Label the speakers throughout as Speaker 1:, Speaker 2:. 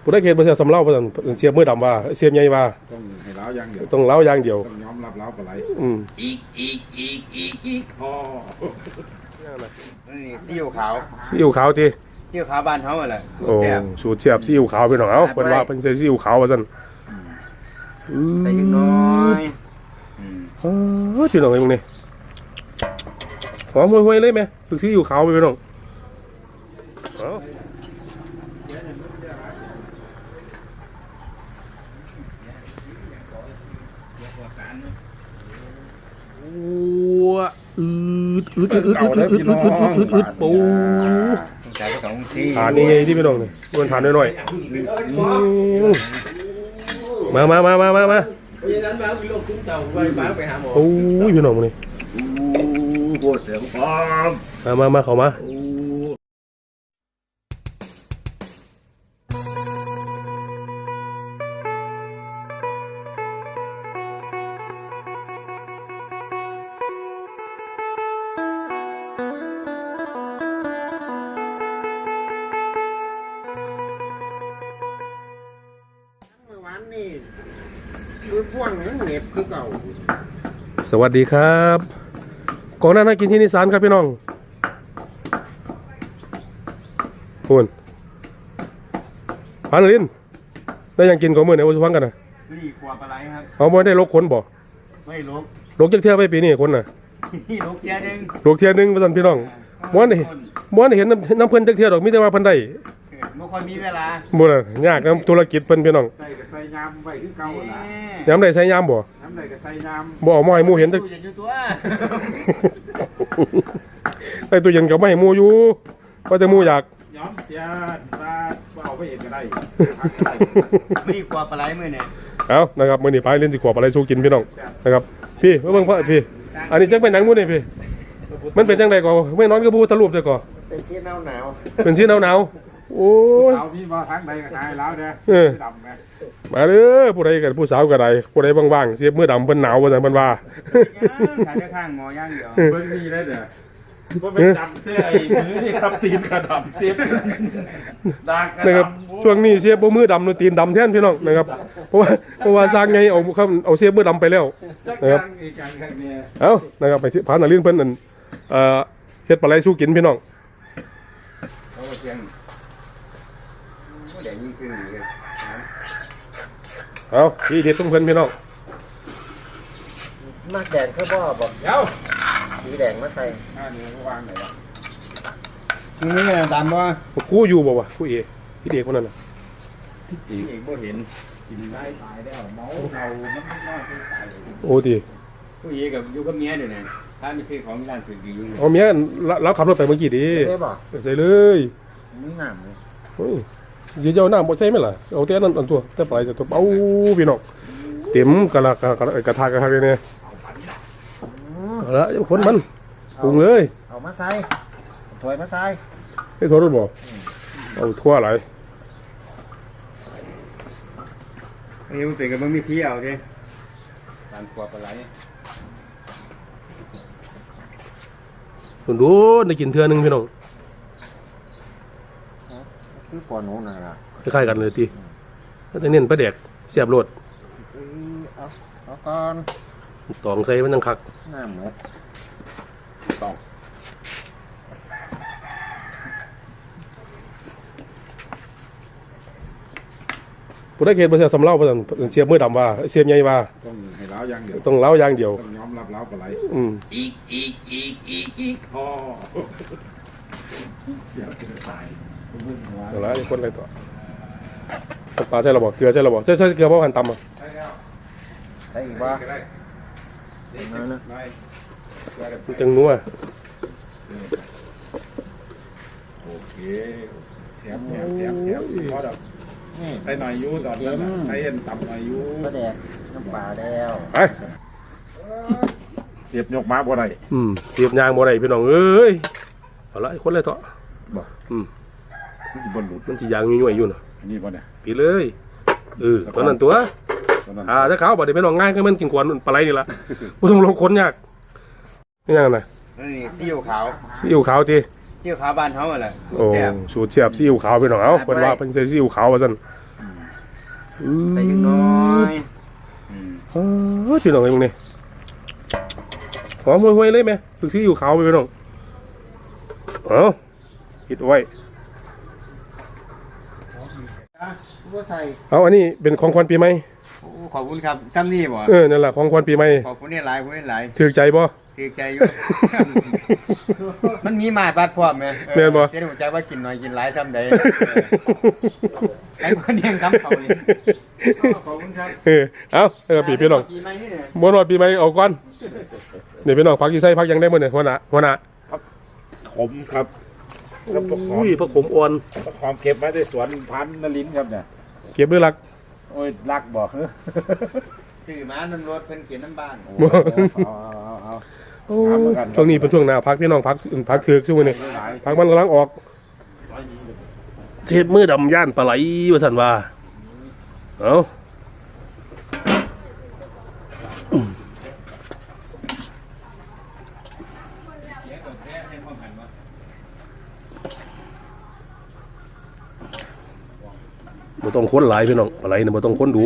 Speaker 1: ผู้ได้เขตบ่เสียสำเล่าบ่ซั่นเสียบมือดำว่าเสียบใหญ่ว่า
Speaker 2: ต้องให้เล้าอย่างเดียว
Speaker 1: ต้องเล้าอย่างเดียว
Speaker 2: ต้องยอมรับเล้าปลาไหลอีกพอ
Speaker 3: นี่ซีอิ๊วขาว
Speaker 1: ซีอิ๊วขาวติ
Speaker 3: ซีอิ๊วขาวบ้านเฮาแหละ
Speaker 1: โอ้สูตรเสียบซีอิ๊วขาวพี่น้องเอ้าเพิ่นว่าเพิ่นใส่ซีอิ๊วขาวว่าซั่น
Speaker 3: ใส่จักน้อย
Speaker 1: พี่น้องไอ้มึงนี่หอมห่วยๆเลยแม่ถึกซีอิ๊วขาวไปพี่น้องเอ้าปูฐานนี่ไงที่พี่น้องเนี่ยมันฐานน้อยๆมาโอ้ยพี่น้องนี่
Speaker 2: ปวดเสียงพร้อม
Speaker 1: มาเข้ามาสวัสดีครับก่อนหน้านั้นกินที่นิสานครับพี่น้องคุณพันลินได้ยังกินของมือไหนวันสุพรรณกันนะ
Speaker 3: นี่ขวบอะไรครับ
Speaker 1: เอาไม่ได้ลกขนบ่
Speaker 3: ไม่
Speaker 1: ลกจักเที่ยวไปปีนี้คนน่ะ
Speaker 3: นี่ลกเที่ยวนึง
Speaker 1: ว่าซั่นพี่น้องม้วนเห็นน้ำเพิ่นจักเที่ยวดอกมีแต่ว่าเพิ่นได้
Speaker 3: บ่ค่อยมีเวลา
Speaker 1: บ่ล่ะยากนำธุรกิจเพิ่นพี่น้อง
Speaker 2: ใส่ก็ใส่ยามไว้คือเก่าล่ะ
Speaker 1: ยามใดใส่ยามบ่
Speaker 2: ยามใดก็ใส่ยาม
Speaker 1: บ่เอามาให้หมู่เห็นจักใส่ตู้เย็นก็ไม่ให้หมู่อยู่ก็แต่หมู่อยาก
Speaker 2: ยอมเสียว่าเอาไปเองก็ได้
Speaker 3: ไม่ขวบอะไรมื้อเนี่ย
Speaker 1: เอานะครับมื้อนี้พาเล่นสิขวบอะไรสู้กินพี่น้องนะครับพี่มาเบิ่งพ่อพี่อันนี้จักเป็นหยังหมู่นี่พี่มันเป็นจังได๋ก่อไม่นอนก็บ่ทะลุได้ก่อ
Speaker 3: เป็นสีหนาว
Speaker 1: เป็นสีหนาวโอ้
Speaker 2: ยสาวพี่มาทางใดก็หายแล้วเด้อดำนะ
Speaker 1: มาเด้อผู้ใดก็ผู้สาวก็ได้ผู้ใดว่างๆเสียบมือดำเพิ่นหนาวว่าซั่นเพิ่นว่า
Speaker 3: ขายข้างหมอย่างเดียว
Speaker 2: เบิ่งนี่เลยเด้อบ่เป็นดำเสื้อไอ้มือนี่ครับตีนกระดำเสียบดาก
Speaker 1: นะครับช่วงนี้เสียบบ่มือดำตีนดำแทนพี่น้องนะครับเพราะว่าสร้างไงเอาเสียบมือดำไปแล้วนะครับเอ้านะครับไปพานาลินเพิ่นนั่นเฮ็ดปลาไหลสู้กินพี่น้องเอาพี่เด็ดต้องเพิ่นพี่น้อง
Speaker 3: มากแดงคือบ่บอก
Speaker 2: เดี๋ยว
Speaker 3: สีแดงมาใส่
Speaker 2: นี่วางไหนล่ะ
Speaker 3: นี่ตามว่า
Speaker 1: กูอยู่บ่วะกูเอพี่เด็กคนนั้นน่ะ
Speaker 3: เอกบ่เห็น
Speaker 2: กินได้ตายแล้วเมาเราน้ำน้อยตาย
Speaker 1: โอ้ติ
Speaker 3: ผู้เอกกับอยู่กับเมียเดี๋ยวนี้ถ้ามีซื้อของร้านซื้อดีอยู่
Speaker 1: เอาเมียรับขับรถไปเมื่อกี้ดิ
Speaker 3: ได้บ่
Speaker 1: ใส่เลย
Speaker 3: มีน้ำเลย
Speaker 1: เฮ้ยเดี๋ยวน้ำบ่ใส่ไหมล่ะเอาแต่นั้นอันตัวแต่ปลายจะตัวเอาพี่น้องเต็มกระทะเลยเนี่ยเอาละคนมันปรุงเลย
Speaker 3: เอามาใส่ถ้วยมาใส่
Speaker 1: ให้ทั่วรถบ่เอาทั่วอะไร
Speaker 3: นี่มันเป็นกับมันมีที่เอาดิการขวบอะไร
Speaker 1: ดูได้กินเทื่อนึงพี่น้อง
Speaker 3: คือปอนูน่ะล่ะ
Speaker 1: คล้ายๆกันเลยติแต่เน้นปลาแดกเสียบโลด
Speaker 3: เอาก่อน
Speaker 1: ตองใส่มันจังคัก
Speaker 3: น้ำหมด
Speaker 2: ตอง
Speaker 1: ผู้ได้เขตบ่เสียสำเล่าบ่ซั่นเสียบมือดำว่าเสียบใหญ่ว่า
Speaker 2: ต้องให้เล้าอย่างเดียว
Speaker 1: ต้องเล้าอย่างเดียว
Speaker 2: ต้องยอมรับเล้าปลาไหลอีกพอเสียบตาย
Speaker 1: เอาละคนอะไรต่อปลาใช่ระบอกเกลือใช่ระบอกใช่เกลือเพราะหั่นตำอ่ะ
Speaker 3: ใช่อีกบ้า
Speaker 1: จังนัว
Speaker 2: โอเคแถมพอดอกใส่หน่อยยูตอนนั้นใส่เอ็นต่ำหน่อยยู
Speaker 3: ปลาแดกน้ำปลาแล้ว
Speaker 1: ไป
Speaker 2: เสียบยกม้าบ่ได้
Speaker 1: เสียบยางบ่ได้พี่น้องเอ้ยเอาละคนอะไรต่อ
Speaker 2: บอกมันสิบนหลุด
Speaker 1: มันสิยางยุ่ยๆอยู่น่ะ
Speaker 2: นี่บ่เนี่ย
Speaker 1: ปีเลยตอนนั้นตัวถ้าเขาบอกเดี๋ยวไม่ลองง่ายก็มันกินกวนปลาไหลนี่ละไม่ต้องลงค้นยากนี่ยังไง
Speaker 3: นี่ซีอิ๊วขาว
Speaker 1: ซีอิ๊วขาวที
Speaker 3: ซีอิ๊วขาวบ้านเขาแหละ
Speaker 1: โอ้สูตรเสียบซีอิ๊วขาวไปหน่อยเอาเป็นว่าเป็นซีอิ๊วขาวว่าซั่น
Speaker 3: ใส่จังน้อย
Speaker 1: พี่น้องไอ้มึงนี่หอมห่วยๆเลยไหมถึงซื้ออยู่ขาวไปพี่น้องเอาปิดไว้เอาอันนี้เป็นของขวัญปีใหม่
Speaker 3: ขอบคุณครับซ้ำนี่บ่
Speaker 1: นั่นแหละของขวัญปีใหม่
Speaker 3: ขอบคุณนี่หลายคุณนี่หลาย
Speaker 1: ถือใจบ่
Speaker 3: ถือใจอยู่ มันมีมาปัดพร้อมไหมเสียหัวใจว่ากินน้อยกินหลายซ้ำใดไอ้คนเลี้ยงคำเขาเลยขอบคุณครับ
Speaker 1: เอาปีพี่น้องบ่รอดปีใหม่เอาก่อนเดี๋ยวพี่น้องพักอีไส้พักยังได้มื้อนี่หัวหน้า
Speaker 2: ขมครับ
Speaker 1: อุ้ยผักขมอ่อน
Speaker 2: ขมเก็บมาในสวนพันนลินครับเนี่ย
Speaker 1: เก็บด้วยรัก
Speaker 2: โอ้ยรักบอก
Speaker 3: สื่อมาน้ำรถเพิ่นเขียนน้ำบ้าน
Speaker 1: ช่วงนี้เป็นช่วงหน้าพักพี่น้องพักถือกช่วงนี้พักมันกำลังออกเจ็บมือดำย่านปลาไหลว่าสันว่าเอาบ่ต้องค้นหลายพี่น้องปลาไหลเนี่ยบ่ต้องค้นดู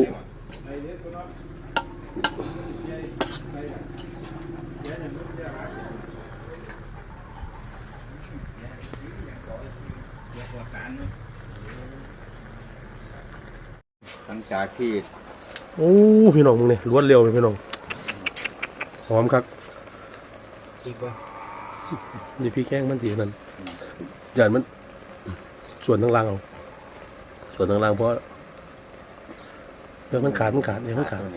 Speaker 3: หลังจากที่
Speaker 1: โอ้พี่น้องมึงเนี่ยรวดเร็วเลยพี่น้องหอมครับนี่พี่แข้งมันสีนั่นจานมันส่วนทั้งล่างเอาส่วนทั้งล่างเพราะเรื่องมันขาดเนี่ยมันขาดมันขาด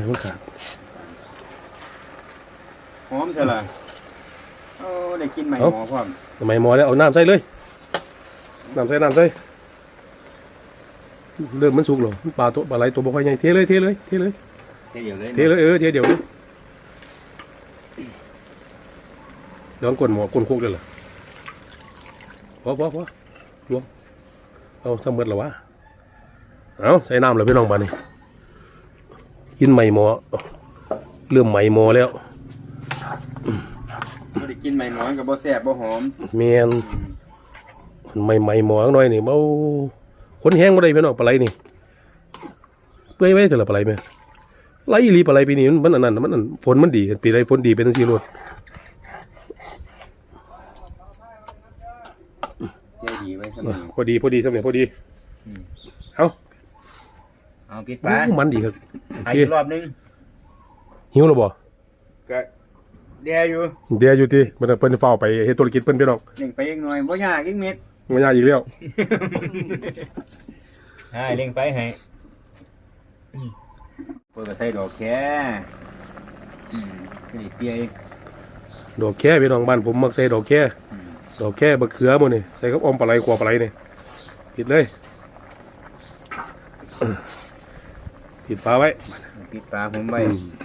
Speaker 3: หอมเท่าไหร่โอ้ได้กินใหม่หมอพร้อม
Speaker 1: ทำไมหมอแล้วเอาน้ำใส่เลยน้ำใส่เริ่มมันสุกหรอปลาไหลตัวบ่ค่อยใหญ่เทเลย
Speaker 3: เดียวเลยเทเ
Speaker 1: ดียวเลยย้อนก้นหมอก้นคุกเลยเหรอพอรวมเอาสมมติแล้ววะเอาใส่น้ำเลยพี่น้องบ้านนี่กินใหม่หมอเริ่มใหม่หมอแล้ว
Speaker 3: ไม่ได้กินใหม่หมอกับบ่แซ่บบ่หอม
Speaker 1: เมียนใหม่หมอหน่อยนี่เบาคนแห้งมาได้พี่น้องปลาไหลนี่เปื่อยไว้เสร็จแล้วปลาไหลไหมไหลรีปลาไหลปีนี้มันอันนั้นมันฝนมันดีปีไรฝนดีเป็นทั้งสี่รถ
Speaker 3: ดีไว้ส
Speaker 1: พอดีสมัยพอดี
Speaker 3: เอาปิดปลา
Speaker 1: มันดีครับ
Speaker 3: อีกรอบนึง
Speaker 1: หิวหรือบ่
Speaker 3: ก็เดีย
Speaker 1: อยู่ที่มันเพิ่นเฝ้าไปเฮ็ดธุรกิจเพิ่นพี่น้อง
Speaker 3: เล่งไปอีกหน่อยบ่ยากอีกเม็ด
Speaker 1: บ่ยากอีกแล้ว
Speaker 3: เล่งไปให้เพิ่นก็ใส่ดอกแค่นี่เปีย
Speaker 1: ดอกแค่พี่น้องบ้านผมมักใส่ดอกแค่บักเขือหมดนี่ใส่กับอมปลาไหลขัวปลาไหลนี่ปิดเลยปิดฝาไว้
Speaker 3: ปิดฝาผมไว้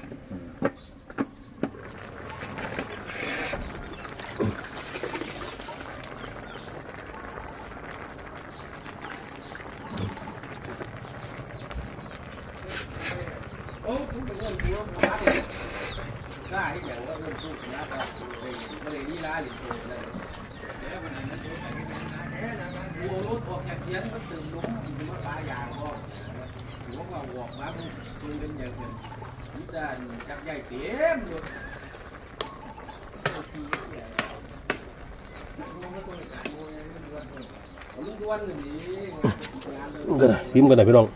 Speaker 1: ซิมกันหน่อยพี่น้อง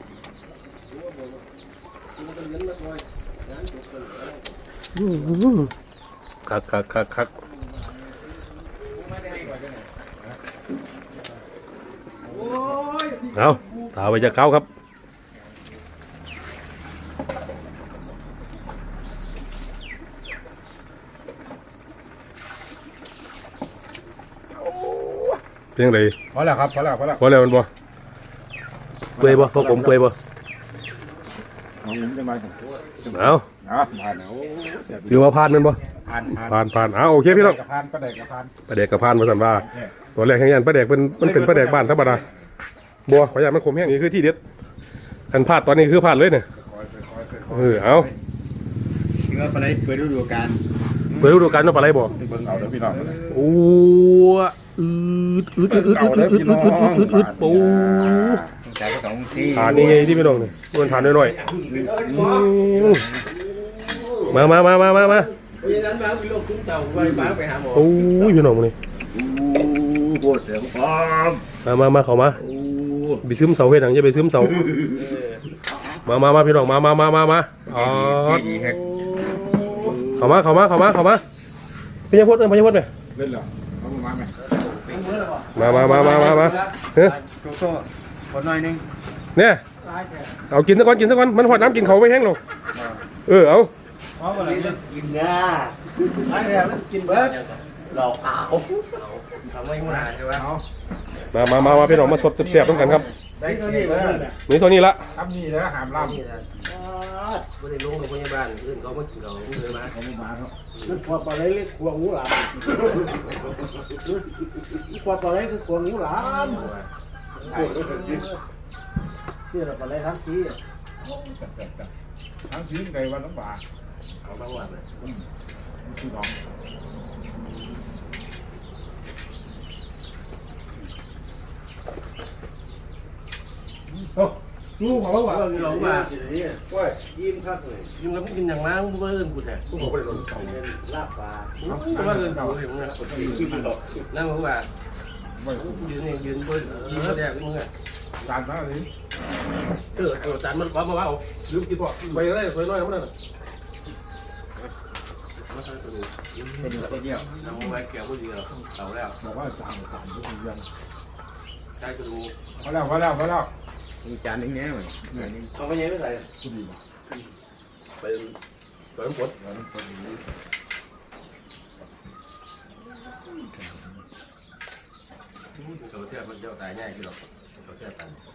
Speaker 1: คักเอาถาไปจะเข้าครับเพียงไร
Speaker 2: พอแล้วครับพอแล้ว
Speaker 1: มันบ่เปื่อยบ่พอผมเปื่อยบ่
Speaker 2: เอาผมจะมา
Speaker 1: เอา
Speaker 2: ผ่านแล้ว
Speaker 1: ถือว่าผ่านมันบ่ผ่านโอเคพี่น้อง
Speaker 2: ปลาแดกกับ
Speaker 1: ผ่านมาสั่นว่าตัวแรกแห่งยันปลาแดกมันเป็นปลาแดกบ้านธรรมดาบัวขยันมันขมแห้งนี่คือที่เด็ดคันพลาดตอนนี้คือพลาดเลยเนี่ยเอา
Speaker 3: เนื้อปลาไหลเปิดฤดูกาล
Speaker 1: เนาะปลาไหลบ่
Speaker 2: เบิ่งเอาเด้อพี่น้อง
Speaker 1: โอ้อืดปู
Speaker 3: แต่ก็ต้องที่
Speaker 1: ฐานนี่ไงที่พี่น้องนี่มันฐานน้อยๆมา
Speaker 4: เพราะฉะนั้นมาวิโรจน์คุ้มเจ้าไปบ้านไปหาหมอ
Speaker 1: โอ้ยพี่น้องนี่
Speaker 3: ปวดเสียงพร้อม
Speaker 1: มาเข้ามาไปซึมเสาเฮ็ดหยังอย่าไปซึมเสามาพี่น้องมาอ๋อ
Speaker 3: ดีครับ
Speaker 1: เข้ามาพญาพจน์พญาพจน์ไป
Speaker 2: เล่นเหรอเอามาไหม
Speaker 1: มาเฮ้ย
Speaker 3: โซ่คนหน่อยนึง
Speaker 1: เนี่ยเอากินซะก่อนมันหอดน้ำกินเขาไปแห้งหรอกเอา
Speaker 3: กินนะ
Speaker 4: ไอ้เนี่ยมันกินเบิร์ด
Speaker 3: หลอกเอา
Speaker 4: ทำไมหัวหน้าใช่ไหม
Speaker 1: มาพี่น้องมาสดแซ่บๆต้องกันครับ
Speaker 4: ได้เท่านี้เลย
Speaker 1: นี่ตัวนี้ละ
Speaker 2: ทำนี่แล้วหามล่ำ
Speaker 4: นี่นะไม่ได้ลงโรงพยาบาลอื่นเขาไม่กินเขาเลยมา
Speaker 2: เขาไม่มาเนาะ
Speaker 5: มันขวบปลาไหลเล็กขวบงูหลามขวบปลาไหลคือขวบงูหลามเชื่อปลาไหลทั้งสี
Speaker 2: จัดทั้งชิ้นไก่วันน้ำปลา
Speaker 4: เอาบางวันเลย
Speaker 2: คือน้อง
Speaker 1: ลูกของเรา
Speaker 4: ว่าเราว่า
Speaker 5: ว่ายิ้มครับเลย
Speaker 4: ยิ่งแล้วกินอย่างมากกูเอิ้นกูแต่
Speaker 1: ลูกของเรา
Speaker 5: ลาบปลา
Speaker 4: กูว่าเอิ้นกูอย่างนั้นนั่นเพราะว่า
Speaker 2: ไม่
Speaker 4: ยืนบนยิงมาแรกมึงอ่ะ
Speaker 2: จานนั้นเลย
Speaker 4: จานมันว่าเอา
Speaker 1: ลืมกินบ่ไปได้สวยน้อยมันนั่น
Speaker 4: มาทำตัวนี้
Speaker 3: เป็นตัวเดียว
Speaker 4: น้ำไว้แก้วผู้เดียวเอาแล้ว
Speaker 2: บอกว่าจานทุกอย่าง
Speaker 4: ใช้กระดูก
Speaker 2: พอแล้ว
Speaker 3: มีจานนึงแน่เลย
Speaker 5: เอาไปยังไม่ใส่
Speaker 2: ผู้ดี
Speaker 4: เป็นสวนผลเขาเชื่อมันเจ้าตายง่ายกี่หรอกเขาเชื่อตัน